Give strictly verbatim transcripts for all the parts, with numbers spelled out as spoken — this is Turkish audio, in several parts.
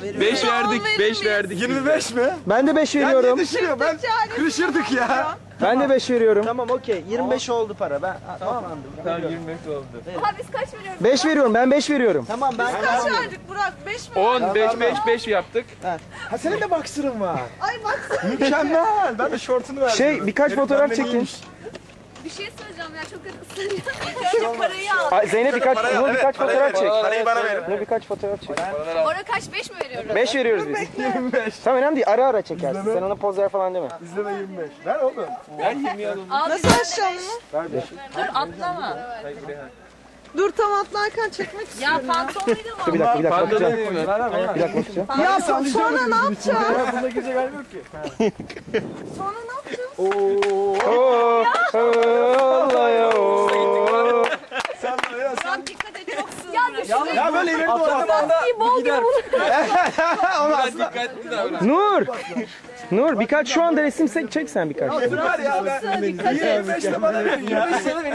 beş verdik, beş verdik. yirmi beş mi? Ben de beş Ben veriyorum. ne düşünüyorum? Ben kırışırdık ya. Ben de beş veriyorum. Tamam okey. yirmi beş oldu para. Ben tamam. Tamam yirmi beş oldu. Aha biz kaç veriyoruz? beş veriyorum. Ben beş veriyorum. Tamam ben Kaç verdik Burak? beş mi? on, beş, beş, beş yaptık. Ha senin de boxer'ın var. Ay bak. Mükemmel. Ben de şortunu verdim. Şey birkaç Herif fotoğraf benden çekin. iyiymiş. Bir şey söyleyeceğim ya çok ısınıyor. İlk önce parayı al. Ay, Zeynep birkaç, Parayı al, Nur evet, birkaç parayı fotoğraf ver. çek. Parayı bana verin. Nur birkaç fotoğraf çek. Oraya kaç beş mi veriyoruz? beş veriyoruz biz. yirmi beş. Tamam önemli değil. Ara ara çekersin. Sen ona poz ver falan deme. İzleme yirmi beş. Ver oğlum. Ben yirmi alalım. Nasıl aşağı mı? Dur atlama. Dur tam atlarken çekmek istiyorum. Ya pantolonuyla mı? Dur bir dakika bir dakika Pantolon bakacağım. değil mi? Bir dakika bakacağım. Ya sonra ne yapacağız? Bunda girecek halim yok ki. Sonra ne yapacağız? Oo, Allah ya. oo. Sen de ya sen. Burak dikkat et çok sığ. Ya düşün. Ya böyle ileri doğru. İyi bol gibi bunu. Biraz dikkatli davran. Nur. Nur birkaç şu anda resim se- çek sen birkaç. Var ya ben. yirmi beş de bana verin ya.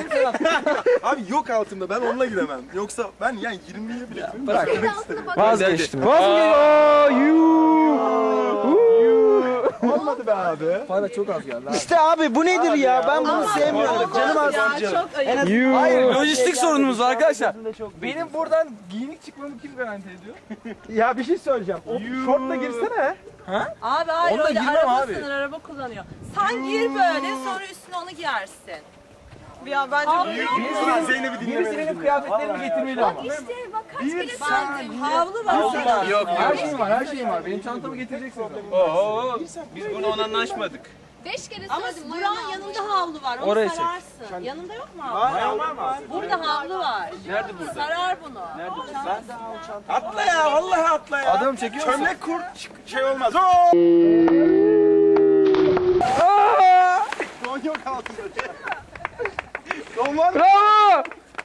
Abi yok altımda ben onunla gidemem. Yoksa ben yani yirmiye bile gitmem. Bırak. Vazgeçtim. Vazgeçtim. Aa, yuh. Olmadı be abi. İşte abi bu nedir ya? Ben bunu sevmiyorum. Canım az. Çok ayıp. Yuh. Hayır, lojistik sorunumuz var arkadaşlar. Benim buradan giyinik çıkmamı kim garanti ediyor? Ya bir şey söyleyeceğim. O şortla girsene. Abi hayır Onunla öyle girmem araba abi. sınır araba kullanıyor. Sen gir böyle sonra üstüne onu giyersin. Ya bence Zeynep'i Birisi dinlemeyin. benim kıyafetlerimi getirmeli ama. İşte bak kaç bile ben havlu var. Yok Her yok. şeyim var, her şeyim var. Benim çantamı getireceksin. Oo, biz bunu ona anlaşmadık. beş kere Ama söyledim. Burak'ın yanında havlu var. Onu Oraya çek. sararsın. Yanında yok mu havlu? Var var. Burada havlu var. Nerede burada? Sarar bunu. Atla ya vallahi atla ya. Adam çekiyor musun? Çömlek kurt şey olmaz. Oo! Don yok altında. Don var mı? Bravo.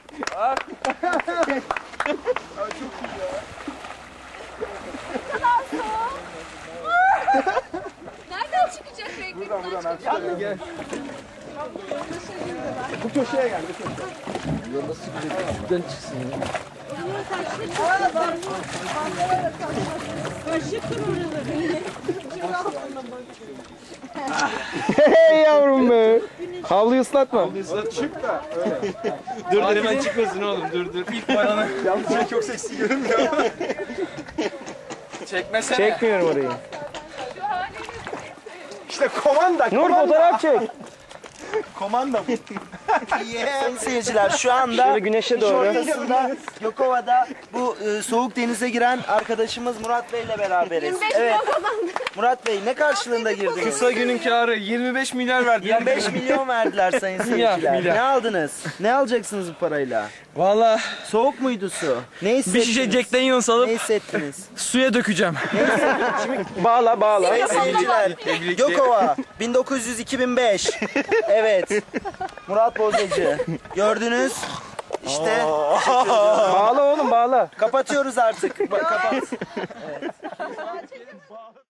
Nereden çıkacak renkli? Buradan buradan. Gel gel. Bu köşeye gel. Hey yavrum be. Havluyu ıslatma. Çık da öyle. Dur dur hemen çıkmasın oğlum dur dur. İlk bayana Yalnız sen çok seksi görünmüyor. çekmesene. Çekmiyorum orayı. İşte komanda. Nur komanda. fotoğraf çek. Komanda bu. Sayın seyirciler şu anda Şöyle güneşe doğru. ortasında Gökova'da bu e, soğuk denize giren arkadaşımız Murat Bey ile beraberiz. yirmi beş Evet. milyon kazandı. Murat Bey ne karşılığında girdiniz? Kısa günün karı yirmi beş milyar verdi. yirmi beş milyon verdiler sayın seyirciler. milyar. Ne aldınız? Ne alacaksınız bu parayla? Valla Soğuk muydu su? Ne bir hissettiniz? şişe Jack Daniels Ne alıp hissettiniz? suya dökeceğim. Bağla bağla. Sayın seyirciler, Gökova bin dokuz yüz iki bin beş. Evet. Murat Bozacı. Gördünüz. İşte Bağla oğlum bağla. kapatıyoruz artık. Ba- kapat. Evet.